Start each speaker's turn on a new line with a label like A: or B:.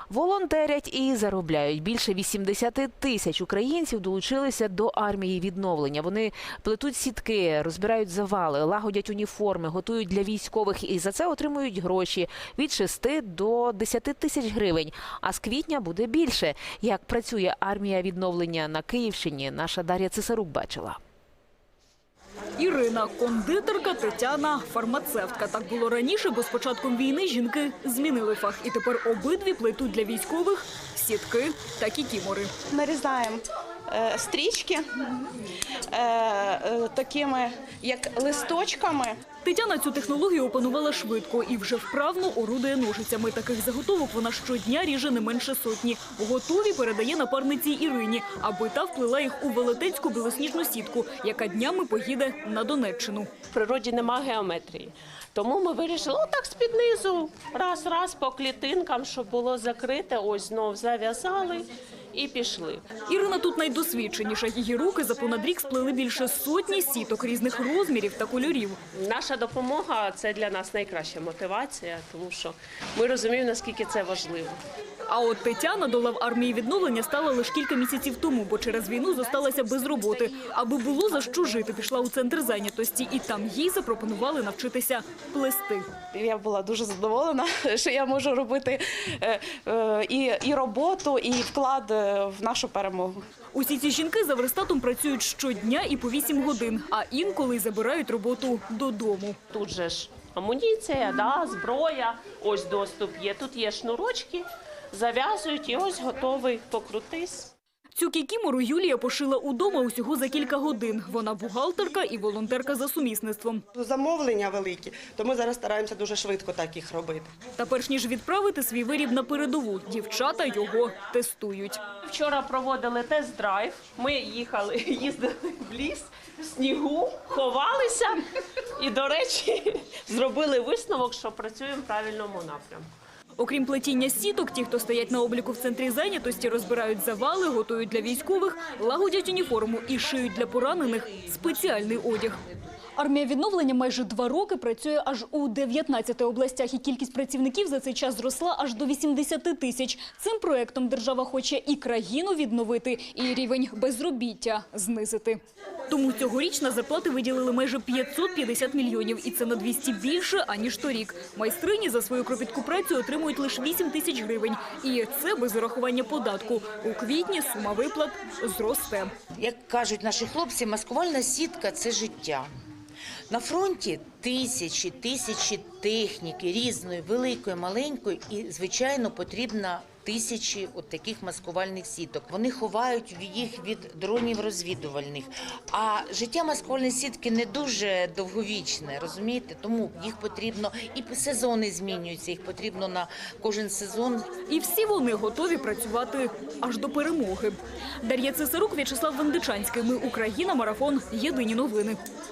A: Волонтерять і заробляють. Більше 80 тисяч українців долучилися до армії відновлення. Вони плетуть сітки, розбирають завали, лагодять уніформи, готують для військових і за це отримують гроші від 6 до 10 тисяч гривень. А з квітня буде більше. Як працює армія відновлення на Київщині, наша Дар'я Цесарук бачила.
B: Ірина – кондитерка, Тетяна – фармацевтка. Так було раніше, бо з початком війни жінки змінили фах. І тепер обидві плетуть для військових сітки та кікімори.
C: Нарізаємо стрічки такими, як листочками.
B: Тетяна цю технологію опанувала швидко і вже вправно орудує ножицями. Таких заготовок вона щодня ріже не менше сотні. Готові передає напарниці Ірині, аби та вплила їх у велетенську білосніжну сітку, яка днями поїде на Донеччину.
D: В природі немає геометрії. Тому ми вирішили отак з-під низу, раз-раз по клітинкам, щоб було закрите, ось знов зав'язали і пішли.
B: Ірина тут найдосвідченіша. Її руки за понад рік сплели більше сотні сіток різних розмірів та кольорів.
D: Наша допомога – це для нас найкраща мотивація, тому що ми розуміємо, наскільки це важливо.
B: А от Тетяна до лав армії відновлення стала лише кілька місяців тому, бо через війну зосталася без роботи. Аби було за що жити, пішла у центр зайнятості, і там їй запропонували навчитися плести.
C: Я була дуже задоволена, що я можу робити і роботу, і вклад в нашу перемогу.
B: Усі ці жінки за верстатом працюють щодня і по 8 годин, а інколи забирають роботу додому.
D: Тут же ж амуніція, зброя, ось доступ є. Тут є шнурочки, зав'язують і ось готовий покрутись.
B: Цю кікімору Юлія пошила удома усього за кілька годин. Вона бухгалтерка і волонтерка за сумісництвом.
E: Замовлення великі, то ми зараз стараємося дуже швидко так їх робити.
B: Та перш ніж відправити свій виріб на передову, дівчата його тестують.
D: Вчора проводили тест-драйв, ми їздили в ліс, в снігу, ховалися і, до речі, зробили висновок, що працюємо в правильному напрямку.
B: Окрім плетіння сіток, ті, хто стоять на обліку в центрі зайнятості, розбирають завали, готують для військових, лагодять уніформу і шиють для поранених спеціальний одяг. Армія відновлення майже 2 роки працює аж у 19 областях, і кількість працівників за цей час зросла аж до 80 тисяч. Цим проектом держава хоче і країну відновити, і рівень безробіття знизити. Тому цьогоріч на зарплати виділили майже 550 мільйонів, і це на 200 більше, аніж торік. Майстрині за свою кропітку працю отримують лише 8 тисяч гривень. І це без урахування податку. У квітні сума виплат зросте.
F: Як кажуть наші хлопці, маскувальна сітка – це життя. На фронті тисячі техніки різної, великої, маленької і, звичайно, потрібно тисячі от таких маскувальних сіток. Вони ховають їх від дронів розвідувальних. А життя маскувальної сітки не дуже довговічне, розумієте? Тому їх потрібно, і сезони змінюються, їх потрібно на кожен сезон.
B: І всі вони готові працювати аж до перемоги. Дар'я Цесарук, В'ячеслав Вендичанський. Ми Україна. Марафон. Єдині новини.